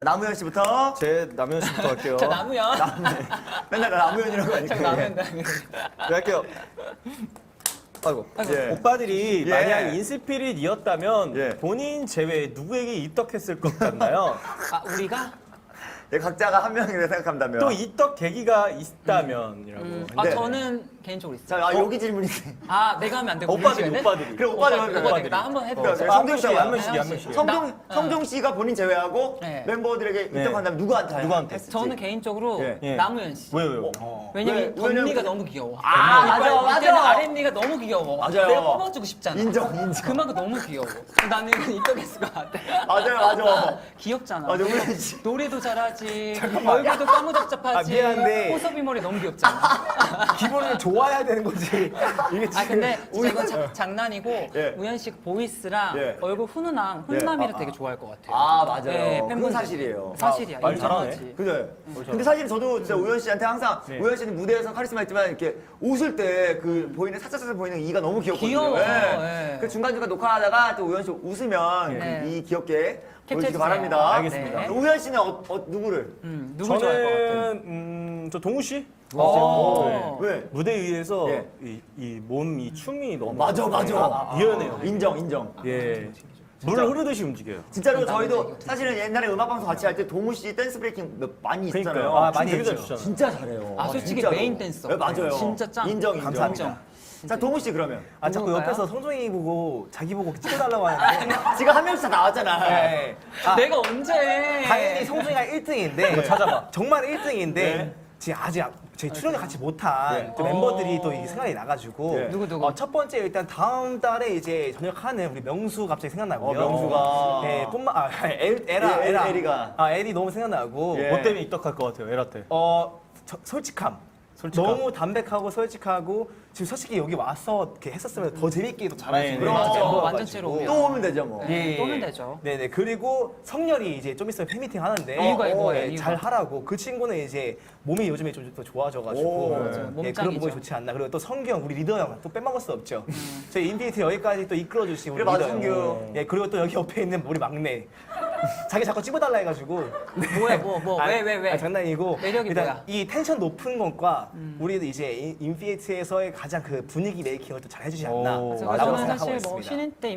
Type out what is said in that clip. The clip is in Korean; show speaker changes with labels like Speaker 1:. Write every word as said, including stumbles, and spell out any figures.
Speaker 1: 남우현 씨부터.
Speaker 2: 제 남현 씨부터 할게요.
Speaker 3: 자, 남우현.
Speaker 1: 맨날 나 남우현이라고
Speaker 3: 자,
Speaker 1: 하니까.
Speaker 3: 남우현,
Speaker 1: 예.
Speaker 3: 남우현.
Speaker 2: 네, 할게요. 아이고.
Speaker 3: 아이고.
Speaker 1: 예.
Speaker 2: 오빠들이
Speaker 1: 예.
Speaker 2: 만약 인스피릿이었다면
Speaker 1: 예.
Speaker 2: 본인 제외 누구에게 입덕했을 것 같나요?
Speaker 3: 아, 우리가?
Speaker 1: 예, 각자가 한 명이라 생각한다면.
Speaker 2: 또 입덕 계기가 있다면이라고.
Speaker 3: 음,
Speaker 2: 근데
Speaker 3: 아,
Speaker 1: 네.
Speaker 3: 저는 개인적으로 있어요.
Speaker 1: 자, 아, 여기 질문이세요.
Speaker 3: 아, 내가 하면 안 되고.
Speaker 2: 오빠들이
Speaker 3: 우리
Speaker 2: 오빠들이.
Speaker 1: 그래, 오빠들,
Speaker 3: 오빠들,
Speaker 1: 오빠들.
Speaker 3: 오빠들. 나 한번 해도
Speaker 1: 그래,
Speaker 3: 돼.
Speaker 1: 그래.
Speaker 2: 아,
Speaker 1: 성종 씨가
Speaker 2: 한 명씩, 한 명씩.
Speaker 1: 성종,
Speaker 3: 나-
Speaker 1: 성종 씨가 본인 제외하고
Speaker 3: 네.
Speaker 1: 멤버들에게
Speaker 2: 네.
Speaker 1: 입덕한다면 누구한테?
Speaker 2: 누구한테?
Speaker 1: 했을지.
Speaker 3: 저는 개인적으로
Speaker 1: 예.
Speaker 2: 예.
Speaker 3: 남우현 씨.
Speaker 2: 왜요, 왜요?
Speaker 1: 어.
Speaker 3: 왜냐면
Speaker 1: 왜?
Speaker 3: 덧니가
Speaker 1: 왜냐면-
Speaker 3: 너무 귀여워.
Speaker 1: 아, 맞아,
Speaker 3: 이빨
Speaker 1: 맞아.
Speaker 3: 밑에는 아랫니가 너무 귀여워.
Speaker 1: 맞아요.
Speaker 3: 내가 뽑아주고 싶잖아.
Speaker 1: 인정, 인정.
Speaker 3: 그만큼 너무 귀여워. 나는 이건 입덕했을 것 같아.
Speaker 1: 맞아요, 맞아.
Speaker 3: 귀엽잖아.
Speaker 1: 맞아, 우현 씨.
Speaker 3: 노래도 잘하지. 얼굴도 까무잡잡하지.
Speaker 2: 아, 미안한데.
Speaker 3: 호섭이 머리 너무 귀엽잖아.
Speaker 2: 기본은 좋아야 되는 거지. 이게
Speaker 3: 아 근데 진짜 이건 자- 장난이고
Speaker 1: 예.
Speaker 3: 우현 씨 보이스랑
Speaker 1: 예.
Speaker 3: 얼굴 훈훈함,
Speaker 1: 예.
Speaker 3: 훈남이를
Speaker 1: 아,
Speaker 3: 되게 좋아할 것 같아요.
Speaker 1: 아, 맞아요.
Speaker 3: 예,
Speaker 1: 그건
Speaker 3: 팬분들.
Speaker 1: 사실이에요.
Speaker 3: 사실이야.
Speaker 2: 아, 말
Speaker 3: 인정하지.
Speaker 2: 잘하네.
Speaker 1: 그래. 근데 사실 저도 진짜 우현 씨한테 항상
Speaker 3: 네.
Speaker 1: 우현 씨는 무대에서 카리스마 있지만 이렇게 웃을 때 그 보이는 살짝살짝 보이는 이가 너무 귀엽거든요.
Speaker 3: 귀여워.
Speaker 1: 예.
Speaker 3: 예.
Speaker 1: 그 중간중간 녹화하다가 또 우현 씨 웃으면
Speaker 3: 네.
Speaker 1: 그 이 귀엽게 보여주시기
Speaker 3: 캡처해주세요.
Speaker 1: 바랍니다.
Speaker 2: 알겠습니다.
Speaker 3: 네.
Speaker 1: 우현 씨는 어, 어, 누구를?
Speaker 3: 음, 누구 좋아할 것 같아?
Speaker 2: 저는 음, 저 동우 씨.
Speaker 3: 어.
Speaker 1: 왜?
Speaker 2: 무대 위에서
Speaker 1: 예.
Speaker 2: 이 몸 이 춤이 너무
Speaker 1: 맞아, 맞아.
Speaker 2: 유연해요.
Speaker 1: 인정, 인정.
Speaker 2: 예. 물 흐르듯이 움직여요.
Speaker 1: 진짜로
Speaker 3: 나도
Speaker 1: 저희도
Speaker 3: 이거
Speaker 1: 사실은 옛날에 음악방송 같이 할 때 동우 씨 댄스 브레이킹 몇- 많이 있었잖아요.
Speaker 2: 그러니까요. 아,
Speaker 1: 많이
Speaker 2: 되게 잘
Speaker 1: 했죠.
Speaker 2: 추잖아요.
Speaker 1: 진짜 잘해요.
Speaker 3: 아, 솔직히
Speaker 1: 진짜로.
Speaker 3: 메인 댄서.
Speaker 1: 네, 맞아요.
Speaker 3: 진짜 짱.
Speaker 1: 인정, 인정.
Speaker 2: 감사합니다.
Speaker 1: 자, 동우 씨 그러면.
Speaker 2: 아 자꾸
Speaker 3: 누굴까요?
Speaker 2: 옆에서 성종이 보고 자기 보고 찍어달라고 하는데.
Speaker 1: 지금 한 명씩 다 나왔잖아.
Speaker 2: 네. 아,
Speaker 3: 내가 언제?
Speaker 2: 당연히 성종이가 일 등인데 찾아봐. 정말 일 등인데
Speaker 1: 네.
Speaker 2: 지금 아직 제 출연을 같이 못한
Speaker 1: 네.
Speaker 2: 또 멤버들이 또 이 생각이 나가지고
Speaker 1: 네.
Speaker 3: 누구, 누구?
Speaker 2: 어, 첫 번째 일단 다음 달에 이제 전역하는 우리 명수 갑자기 생각나고요.
Speaker 1: 어, 명수가.
Speaker 2: 네, 뿐만 아 엘, 에라
Speaker 1: 예,
Speaker 2: 에라
Speaker 1: 에리가.
Speaker 2: 아 에리 너무 생각나고
Speaker 1: 예.
Speaker 2: 뭐 때문에 입덕할 것 같아요 에라한테? 어 저, 솔직함.
Speaker 1: 솔직함.
Speaker 2: 너무 담백하고 솔직하고 지금 솔직히 여기 와서 이렇게 했었으면 더 재밌게 더 잘할 수
Speaker 1: 네,
Speaker 2: 있는
Speaker 1: 네.
Speaker 2: 멤버여가지고.
Speaker 3: 맞아. 완전체로 오면.
Speaker 1: 또 오면 되죠, 뭐.
Speaker 3: 네,
Speaker 2: 예.
Speaker 3: 또 오면 되죠.
Speaker 2: 네네 그리고 성렬이 이제 좀 있으면 팬미팅 하는데
Speaker 3: 이유가
Speaker 2: 어,
Speaker 3: 뭐예요,
Speaker 2: 예,
Speaker 3: 이유가?
Speaker 2: 잘 하라고 그 친구는 이제 몸이 요즘에 좀 더 좋아져가지고
Speaker 1: 오,
Speaker 2: 예,
Speaker 3: 맞아요.
Speaker 2: 예,
Speaker 3: 몸짱이죠.
Speaker 2: 그런 부분이 좋지 않나 그리고 또 성규 형 우리 리더 형 또 빼먹을 수 없죠 저희 인피니트 여기까지 또 이끌어주신 우리
Speaker 1: 그래, 맞아,
Speaker 2: 리더 형
Speaker 1: 성규.
Speaker 2: 예 그리고 또 여기 옆에 있는 우리 막내 자기 자꾸 찍어달라 해가지고
Speaker 3: 뭐야, 뭐, 뭐, 왜, 왜, 왜?
Speaker 2: 아, 장난이고
Speaker 3: 매력이
Speaker 2: 일단
Speaker 3: 뭐야?
Speaker 2: 이 텐션 높은 것과 우리도 이제 인- 인피니트에서의 가장 그 분위기 메이킹을 또 잘 해주지 않나
Speaker 3: 그래서
Speaker 2: 라고
Speaker 3: 저는
Speaker 2: 생각하고
Speaker 3: 사실 뭐
Speaker 2: 있습니다.
Speaker 3: 신인 때